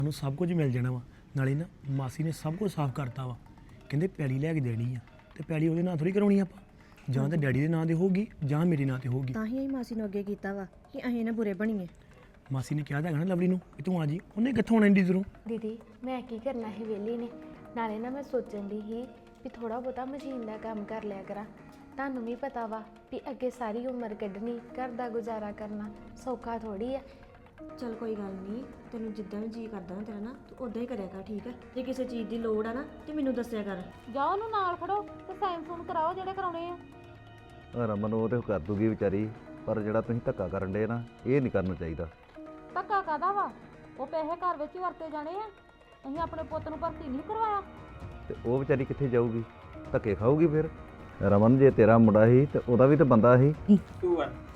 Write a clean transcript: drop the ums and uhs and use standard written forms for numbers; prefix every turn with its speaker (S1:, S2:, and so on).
S1: ਸਾਨੂੰ ਸਭ ਕੁਝ ਮਿਲ ਜਾਣਾ ਵਾ। ਨਾਲੇ ਨਾ ਮਾਸੀ ਨੇ ਸਭ ਕੁਝ ਸਾਫ਼ ਕਰਤਾ ਵਾ। ਕਹਿੰਦੇ ਪੈਲੀ ਲੈ ਕੇ ਦੇਣੀ ਆ ਤੇ ਪੈਲੀ ਉਹਦੇ ਨਾਂ ਥੋੜੀ ਕਰਾਉਣੀ ਆਪਾਂ, ਜਾਂ ਤਾਂ ਡੈਡੀ ਦੇ ਨਾਂ ਤੇ ਹੋਊਗੀ ਜਾਂ ਮੇਰੇ ਨਾਂ ਤੇ ਹੋਊਗੀ।
S2: ਤਾਂ ਹੀ ਅਸੀਂ ਮਾਸੀ ਨੂੰ ਅੱਗੇ ਕੀਤਾ ਵਾ ਕਿ ਅਸੀਂ ਨਾ ਬੁਰੇ ਬਣੀਏ।
S1: ਮਾਸੀ ਨੇ ਕਿਹਾ ਤਾਂ ਹੈਗਾ ਨਾ ਲਵਲੀ ਨੂੰ ਕਿ ਤੂੰ ਆ ਜੀ, ਉਹਨੇ ਕਿੱਥੋਂ ਆਉਣਾ ਇੰਡੀ ਦੂਰੋਂ।
S3: ਦੀਦੀ ਮੈਂ ਕੀ ਕਰਨਾ ਸੀ ਵਿਹਲੀ ਨੇ, ਨਾਲੇ ਨਾ ਮੈਂ ਸੋਚਣ ਦੀ ਸੀ ਵੀ ਥੋੜਾ ਬਹੁਤਾ ਮਸ਼ੀਨ ਦਾ ਕੰਮ ਕਰ ਲਿਆ ਕਰਾਂ। ਤੁਹਾਨੂੰ ਵੀ ਪਤਾ ਵਾ ਵੀ ਅੱਗੇ ਸਾਰੀ ਉਮਰ ਕੱਢਣੀ, ਘਰ ਦਾ ਗੁਜ਼ਾਰਾ ਕਰਨਾ ਸੌਖਾ ਥੋੜੀ ਆ।
S2: ਚੱਲ ਕੋਈ ਗੱਲ ਨਹੀਂ, ਤੈਨੂੰ ਜਿੱਦਾਂ ਵੀ ਜੀ ਕਰਦਾ ਨਾ ਤੇਰਾ ਨਾ ਤੂੰ ਉਦਾਂ ਹੀ ਕਰਿਆ ਕਰ, ਠੀਕ ਹੈ। ਜੇ ਕਿਸੇ ਚੀਜ਼ ਦੀ ਲੋੜ ਆ ਨਾ ਤੇ ਮੈਨੂੰ ਦੱਸਿਆ ਕਰ।
S4: ਜਾਓ ਉਹਨੂੰ ਨਾਲ ਫੜੋ ਤੇ ਸਾਈਨ ਸੂਨ ਕਰਾਓ ਜਿਹੜੇ ਕਰਾਉਣੇ ਆ।
S5: ਰਮਨ ਉਹ ਤੇ ਕਰ ਦੂਗੀ ਵਿਚਾਰੀ, ਪਰ ਜਿਹੜਾ ਤੁਸੀਂ ਧੱਕਾ ਕਰਨ ਦੇ ਨਾ ਇਹ ਨਹੀਂ ਕਰਨਾ ਚਾਹੀਦਾ।
S4: ਧੱਕਾ ਕਾਹਦਾ ਵਾ? ਉਹ ਪੈਸੇ ਘਰ ਵਿੱਚ ਹੀ ਵਰਤੇ ਜਾਣੇ ਆ। ਅਸੀਂ ਆਪਣੇ ਪੁੱਤ ਨੂੰ ਭਰਤੀ ਨਹੀਂ ਕਰਵਾਇਆ।
S5: ਤੇ ਉਹ ਵਿਚਾਰੀ ਕਿੱਥੇ ਜਾਊਗੀ? ਧੱਕੇ ਖਾਊਗੀ ਫਿਰ। ਰਮਨ ਜੇ ਤੇਰਾ ਮੁੰਡਾ ਸੀ ਤੇ ਉਹਦਾ ਵੀ ਤਾਂ ਬੰਦਾ ਸੀ।
S1: 2 1